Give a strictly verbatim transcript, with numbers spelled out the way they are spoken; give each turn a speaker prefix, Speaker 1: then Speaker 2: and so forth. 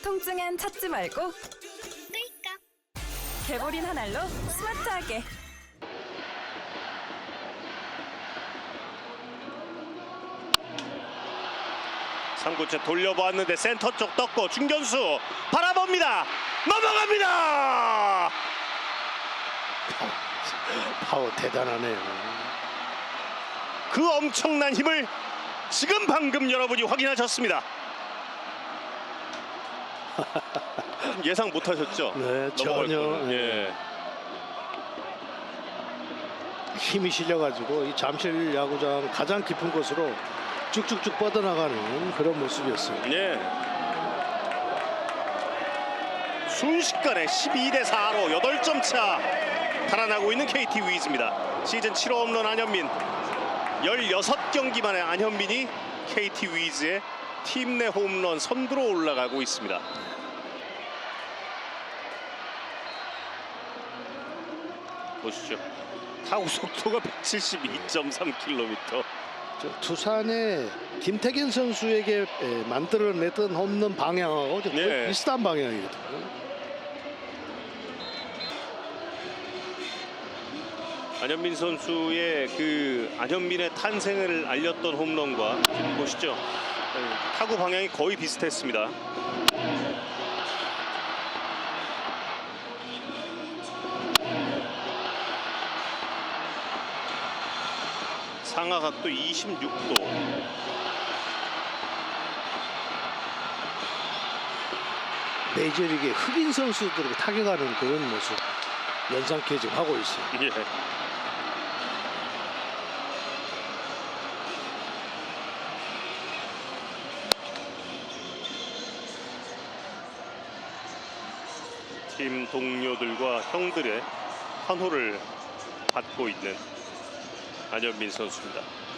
Speaker 1: 통증엔 찾지 말고
Speaker 2: 끌까?
Speaker 1: 개보린 한 알로 스마트하게.
Speaker 3: 삼 구째 돌려보았는데 센터 쪽 떴고 중견수 바라봅니다. 넘어갑니다.
Speaker 4: 파워 대단하네요.
Speaker 3: 그 엄청난 힘을 지금 방금 여러분이 확인하셨습니다. 예상 못하셨죠?
Speaker 4: 네,
Speaker 3: 넘어갈
Speaker 4: 전혀.
Speaker 3: 거는. 예.
Speaker 4: 힘이 실려가지고 이 잠실 야구장 가장 깊은 곳으로 쭉쭉쭉 뻗어나가는 그런 모습이었어요.
Speaker 3: 예. 순식간에 십이 대 사로 여덟 점 차 달아나고 있는 케이티 위즈입니다. 시즌 칠 호 홈런 안현민. 열여섯 경기 만에 안현민이 케이티 위즈의 팀 내 홈런 선두로 올라가고 있습니다. 보시죠. 타구 속도가 백칠십이 점 삼 킬로미터.
Speaker 4: 저 두산의 김태균 선수에게 에, 만들어냈던 홈런 방향하고 좀 거의
Speaker 3: 네.
Speaker 4: 비슷한 방향이거든요.
Speaker 3: 안현민 선수의 그 안현민의 탄생을 알렸던 홈런과 지금 보시죠. 타구 방향이 거의 비슷했습니다. 상하각도 이십육 도.
Speaker 4: 메이저리그의 흑인 선수들에게 타격하는 그런 모습 연상케 지금 하고 있어요.
Speaker 3: 예. 팀 동료들과 형들의 환호를 받고 있는 안현민 선수입니다.